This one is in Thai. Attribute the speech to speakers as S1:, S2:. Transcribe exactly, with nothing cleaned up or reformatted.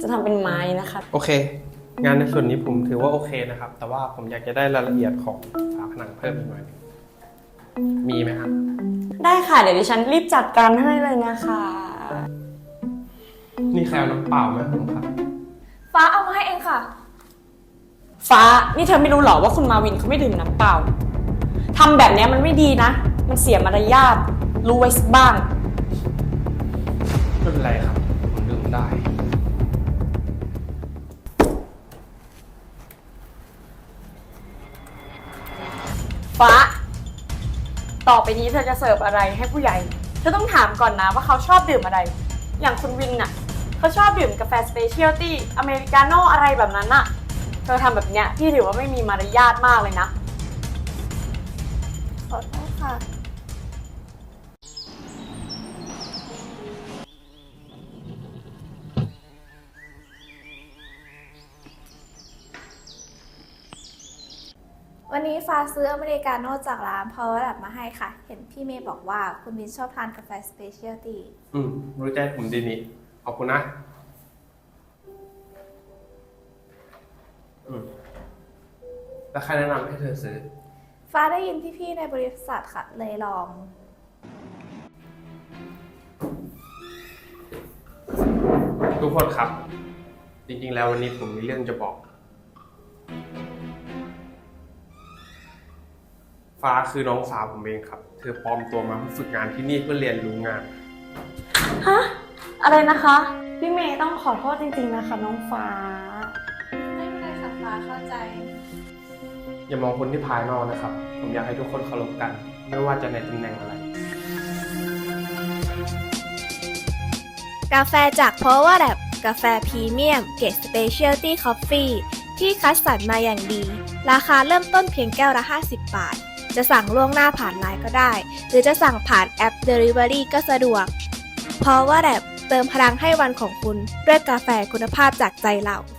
S1: จะทำเป็นไม้นะคะ
S2: โอเคงานในส่วนนี้ผมถือว่าโอเคนะครับแต่ว่าผมอยากจะได้รายละเอียดของฝาผนังเพิ่มอีกหน่อยมีไหมครับ
S1: ได้ค่ะเดี๋ยวดิฉันรีบจัดการให้เลยนะคะ
S2: นี่ใครเอาน้ำเปล่าไหมผมครับ
S3: ฟ้าเอามาให้เองค่ะ
S1: ฟ้านี่เธอไม่รู้หรอว่าคุณมาวินเขาไม่ดื่มน้ำเปล่าทำแบบนี้มันไม่ดีนะมันเสียมารยาทรู้ไว้สักบ้าง
S2: ไม่เป็นไรครับผมดื่มได้
S1: ฟ้าต่อไปนี้เธอจะเสิร์ฟอะไรให้ผู้ใหญ่เธอต้องถามก่อนนะว่าเขาชอบดื่มอะไรอย่างคุณวินน่ะเขาชอบดื่มกาแฟสเปเชียลตี้อเมริกาโน่อะไรแบบนั้นน่ะเธอทำแบบเนี้ยพี่ถือว่าไม่มีมารยาทมากเลยนะ
S3: ขอโทษค่ะวันนี้ฟ้าซื้ออเมริกาโน่จากร้าน Power Lab มาให้ค่ะเห็นพี่เมย์บอกว่าคุณวินชอบทานกาแฟสเปเชียลตี้
S2: อืมรู้ใจผมดีนี่ขอบคุณนะอืมแล้วใครแนะนำให้เธอซื้อ
S3: ฟ้าได้ยินพี่ๆในบริษัทค่ะเลยลอง
S2: ทุกคนครับจริงๆแล้ววันนี้ผมมีเรื่องจะบอกฟ้าคือน้องสาวผมเองครับเธอปลอมตัวมาฝึกงานที่นี่เพื่อเรียนรู้งาน
S1: ฮะอะไรนะคะพี่เมย์ต้องขอโทษจริงๆนะคะน้องฟ้า
S3: ไม่เป็นไรค่ะฟ้าเข้าใจ
S2: อย่ามองคนที่ภายนอกนะครับผมอยากให้ทุกคนเคารพกันไม่ว่าจะในตำแหน่งอะไร
S3: กาแฟจาก Power Lab กาแฟพรีเมียมเกรด Specialty Coffee ที่คัดสรรมาอย่างดีราคาเริ่มต้นเพียงแก้วละห้าสิบบาทจะสั่งล่วงหน้าผ่านไลน์ก็ได้หรือจะสั่งผ่านแอป Delivery ก็สะดวก Power Lab เติมพลังให้วันของคุณด้วยกาแฟคุณภาพจากใจเรา